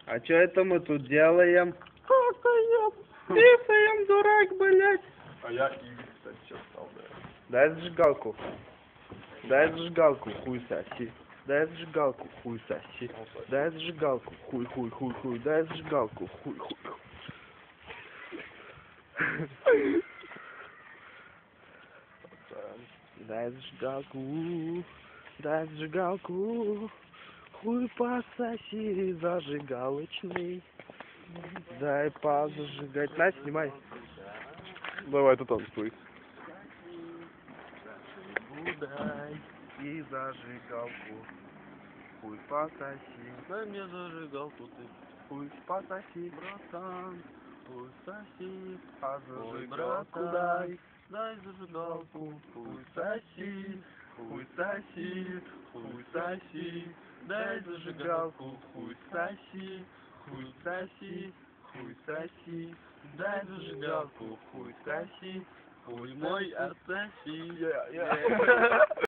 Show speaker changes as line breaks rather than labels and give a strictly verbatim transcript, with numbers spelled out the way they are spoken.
А чё это мы тут делаем? Какаем, писаем, дурак, блядь.
А я Игорь, кстати, сейчас стал, да.
Дай зажигалку. Дай зажигалку, хуй соси. Дай зажигалку, хуй соси. Дай зажигалку, хуй, хуй, хуй, хуй. Дай зажигалку, хуй, хуй. Дай зажигалку, дай зажигалку. Хуй пососи зажигалочный. Дай позажигать. На, снимай.
Давай, ты танцуй.
Дай и зажигалку. Хуй пососи.
Дай мне зажигалку ты.
Хуй пососи.
Братан,
Хуй соси. А
ой,
зажигалку
братан,
дай.
дай зажигалку.
Хуй соси. Хуй соси. Хуй соси. Дай зажигалку. Хуй соси. Хуй соси. Хуй соси. Дай зажигалку. Хуй соси.
Хуй мой отсоси.
Yeah, yeah.